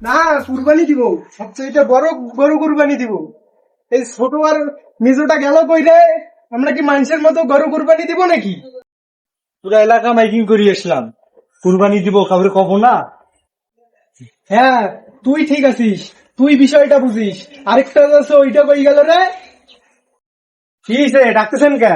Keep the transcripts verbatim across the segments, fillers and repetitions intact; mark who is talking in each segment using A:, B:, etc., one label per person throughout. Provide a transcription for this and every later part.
A: না, কুরবানি দিব, সবচেয়ে বড় গরু কুরবানি দিব। এই ছোট আর মেজোটা গেল কই রে? আমরা কি মানুষের মতো গরু কুরবানি দিব নাকি?
B: পুরা এলাকা মাইকিং করি আসলাম, কুরবানি দিব, কাউরে কব না।
A: হ্যাঁ, তুই ঠিক আছিস, তুই বিষয়টা বুঝিস। আরেকটা আছে, ওইটা কই গেল রে?
B: কি হইছে, ডাকতেছেন কে?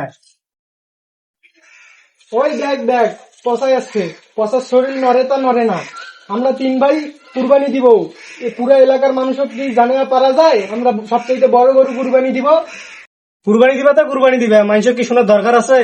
A: ওই দেখ দেখ, পচাই আসছে। পচার শরীর নড়ে তা নড়ে না। আমরা তিন ভাই কুরবানি দিব। এই পুরা এলাকার মানুষও কি জানে না পারা যায় আমরা সবচেয়ে বড় গরু কুরবানি দিব?
B: কুরবানি দিবা তা কুরবানি দিবে, মানুষের কি শোনার দরকার আছে?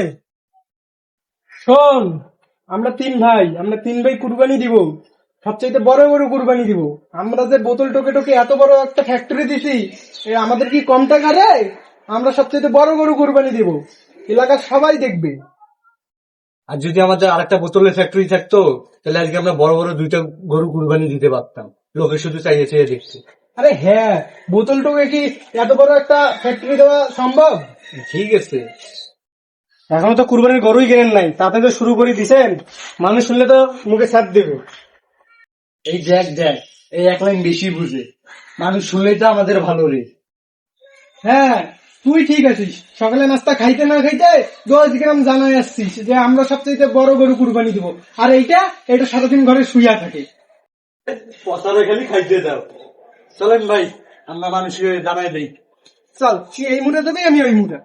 A: শোন, আমরা তিন ভাই, আমরা তিন ভাই কুরবানি দিব, সবচেয়ে বড় গরু কুরবানি দিব। আমরা যে বোতল টোকে টোকে এত বড় একটা ফ্যাক্টরি দিছি, এ আমাদের কি কম টাকা রে? আমরা সবচেয়ে বড় গরু কুরবানি দিব, এলাকার সবাই দেখবে।
B: আর যদি আমাদের আরেকটা বোতলের ফ্যাক্টরি থাকতো, তাহলে আজকে আমরা বড় বড় দুইটা গরু কুরবানি দিতে পারতাম। লোকে শুধু চাইয়ে চাইয়ে দেখছে।
A: আরে হ্যাঁ, বোতল টোকে কি এত বড় একটা ফ্যাক্টরি দেওয়া সম্ভব?
B: ঠিক আছে, এখনো তো কুরবানির গরুই কেনেন নাই, তাতে তো শুরু করে দিছেন। মানুষ শুনলে তো মুখে ছাপ দেবে। এই দেখ দেখ, এই এক লাইন বেশি বুঝে, মানুষ শুনলেই তো আমাদের ভালো রে।
A: হ্যাঁ, তুই ঠিক আছিস। সকালে নাস্তা খাইতে না খাইতে দশ গ্রাম জানাই আসছিস যে আমরা সবচেয়ে বড় গরু কুরবানি দিব, আর এইটা এটা সারাদিন ঘরে শুইয়া থাকে।
B: পচারে খালি খাইতে দাও। চলেন ভাই, আমরা মানুষকে জানাই দেই।
A: চল, তুই এই মুড়ে দেবে, আমি ওই মুড়ে।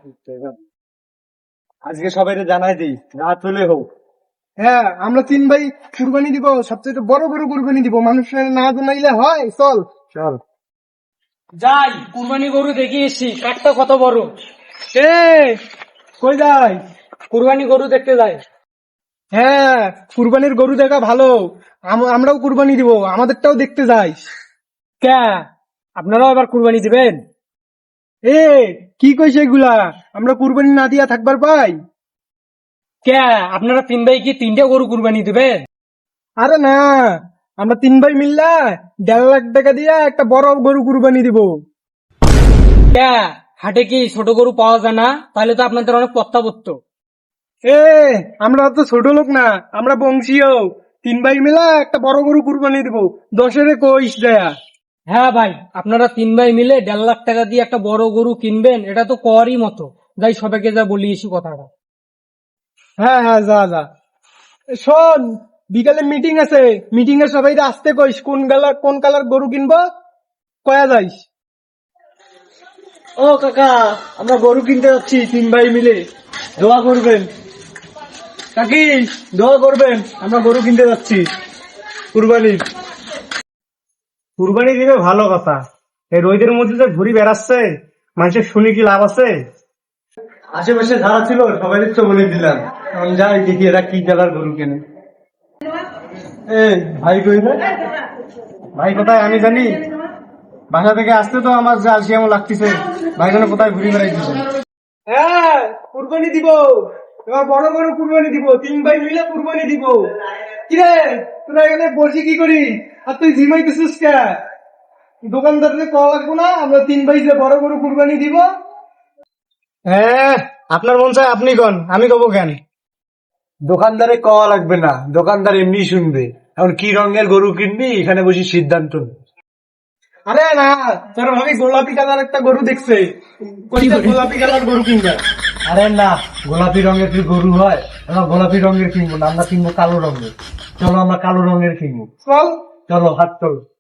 B: আজকে সবাই জানাই দিই, রাত হলে হোক।
A: হ্যাঁ, আমরা তিন ভাই কুরবানি দিব, সবচেয়ে বড় গরু কুরবানি দিব। মানুষের না জানাইলে হয়? চল
B: চল
C: যাই, কুরবানি গরু দেখে এসছি, কাঠটা কত বড়।
A: এ কই যাই?
C: কুরবানি গরু দেখতে যাই।
A: হ্যাঁ, কুরবানির গরু দেখা ভালো। আম- আমরাও কুরবানি দিব, আমাদেরটাও দেখতে যাই।
C: কে, আপনারাও এবার কুরবানি দিবেন?
A: এ কি কইছে এগুলা? আমরা কুরবানি না দিয়া থাকবার পাই?
C: কে, আপনারা তিন ভাই কি তিনটা গরু কুরবানি দিবেন?
A: আরে না, আমরা তিন ভাই মিল্লা দেড় লাখ টাকা দিয়া একটা বড় গরু কুরবানি দিব।
C: কে, হাটে কি ছোট গরু পাওয়া যায় না? তাহলে তো আপনাদের অনেক পত্তা পড়তো।
A: এ আমরা তো ছোট লোক না, আমরা বংশীয়। তিন ভাই মিলা একটা বড় গরু কুরবানি দিব, দশের কইস দেয়া।
C: হ্যাঁ ভাই, আপনারা তিন ভাই মিলে দেড় লাখ টাকা দিয়ে একটা বড় গরু কিনবেন, এটা তো করই মতো। যাই সবাইকে যা বলি এসি কথাটা।
A: হ্যাঁ হ্যাঁ, যা যা। এ, শোন, বিকালে মিটিং আছে, মিটিং এ সবাই আসতে কইস। কোন কালার কোন কালার গরু কিনবো কয়া যাইস।
B: ও কাকা, আমরা গরু কিনতে যাচ্ছি তিন ভাই মিলে, দোয়া করবেন। কাকি, দোয়া করবেন, আমরা গরু কিনতে যাচ্ছি কুরবানি। কুরবানি দিবে ভালো কথা, এই রোদের মধ্যে যে ঘুরি বেড়াচ্ছে, মানুষের শুনে কি লাভ আছে? আশেপাশে যারা ছিল সবাই তো বলে দিলাম, এখন যাই দেখি এরা কি কালার গরু কেনে। এ ভাই কই রে? ভাই কোথায় আমি জানি, বাসা থেকে আসতে তো আমার যে আলসি এমন লাগতেছে, ভাই যেন কোথায় ঘুরে বেড়াইতেছে।
A: হ্যাঁ, কুরবানি দিব, এবার বড় গরু কুরবানি দিব, তিন ভাই মিলে কুরবানি দিব। কিরে, তোরা এখানে বসে কি করি? আর তুই জিমাইতেছিস কে? দোকানদারকে কল লাগবো না? আমরা তিন ভাই যে বড় গরু কুরবানি দিব।
B: হ্যাঁ, আপনার মন চায় আপনি কন, আমি কব কেন? দোকানদারে কওয়া লাগবে না, দোকানদার এমনি শুনবে। এখন কি রঙের গরু কিনবি এখানে বসে সিদ্ধান্ত নে।
A: আরে না, তোর ভাবি গোলাপি কালার একটা গরু দেখছে, কইছে গোলাপি কালার গরু কিনবে।
B: আরে না, গোলাপি রঙের কি গরু হয়? আমরা গোলাপি রঙের কিনবো না, আমরা কিনবো কালো রঙের। চলো আমরা কালো রঙের কিনবো।
A: চল।
B: চলো, হাত চলো।